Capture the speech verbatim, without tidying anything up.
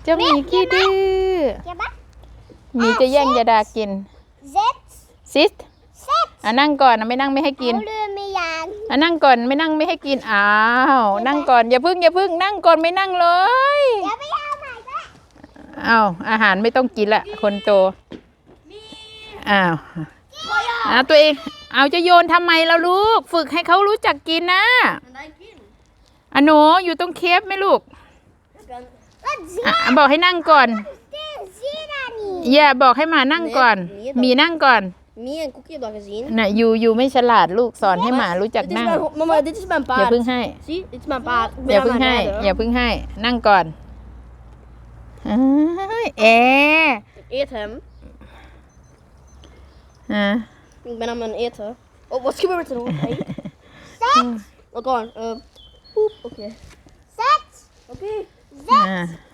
จ้าหมีขี้ดื้อหมีจะแย่งยาดากินซิสอ่ะนั่งก่อนนะไม่นั่งไม่ให้กินอ่ะนั่งก่อนไม่นั่งไม่ให้กินอ้าวนั่งก่อนอย่าพึ่งอย่าพึ่งนั่งก่อนไม่นั่งเลยอ้าวอาหารไม่ต้องกินละคนโตอ้าวอ่ะตัวเองเอาจะโยนทำไมล่ะลูกฝึกให้เขารู้จักกินนะอ่ะหนูอยู่ตรงเคฟไหมลูกอ่ะบอกให้นั่งก่อนอย่าบอกให้มานั่งก่อนมีนั่งก่อนมีen koekje heb dat gezien. น่ะอยู่อยู่ไม่ฉลาดลูกสอนให้หมารู้จัก Dit is นั่ง mijn, mama, dit is mijn อย่า paard. เพิ่งให้ Zie, dit is mijn paard. Ik อย่า ben เพิ่ง aan ให้ het rijden. อย่าเพิ่งให้นั่งก่อนเอ้ยเอ Ik eet hem. อ่ะ Ik ben aan het eten. Oh, wat gebeurt er nou? Hey. Wat dan? Uh, poep, oké. Okay. Oké. Okay.